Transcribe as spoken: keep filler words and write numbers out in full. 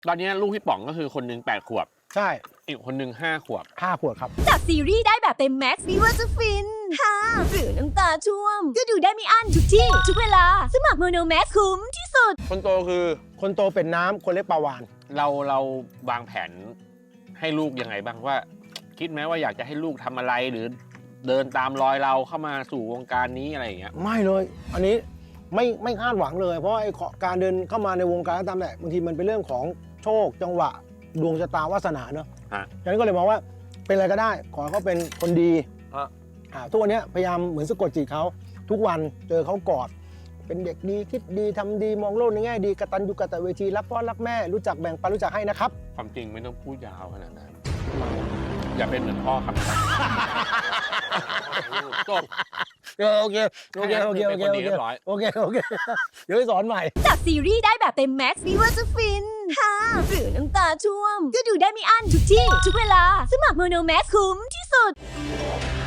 ตอนนี้ลูกพี่ป๋องก็คือคนหนึ่งแปดขวบใช่อีกคนหนึ่งห้าขวบห้าขวบครับจากซีรีส์ได้แบบเต็มแม็กซ์ไม่ว่าจะฟินฮ่าหรือน้ำตาช่วมก็ดูได้ไม่อั้นทุกที่ ทุกเวลา สมัครโมโนแม็กซ์คุ้มที่สุดคนโตคือคนโตเป็นน้ำคนเล็กปลาวานเราเราวางแผนให้ลูกยังไงบ้างว่า คิดไหมว่าอยากจะให้ลูกทำอะไรหรือเดินตามรอยเราเข้ามาสู่วงการนี้อะไรอย่างเงี้ยไม่เลย อันนี้ไม่ไม่คาดหวังเลย เพราะไอ้การเดินเข้ามาในวงการก็ตามแต่บางทีมันเป็นเรื่องของโชคจังหวะดวงชะตาวาสนาเนอะฉะนั้นก็เลยมองว่าเป็นอะไรก็ได้ ขอให้เขาเป็นคนดีอ่าทุกวันนี้พยายามเหมือนสะกดจิตเขาทุกวันเจอเขากอดเป็นเด็กดีคิดดีทำดีมองโลกในแง่ดีกตัญญูกตเวทีรักพ่อรักแม่รู้จักแบ่งปันรู้จักให้นะครับความจริงไม่ต้องพูดยาวขนาดนั้นอย่าเป็นเหมือนพ่อครับจบโอเคโอเคโอเคโอเคโอเคโอเคโอเคเดี๋ยวไปสอนใหม่จากซีรีส์ได้แบบเต็มแม็กซ์ไม่ว่าจะฟินฮ่าหรือน้ำตาช่วมก็ดูได้ไม่อั้นทุกที่ ทุกเวลา สมัครโมโนแม็กซ์คุ้มที่สุด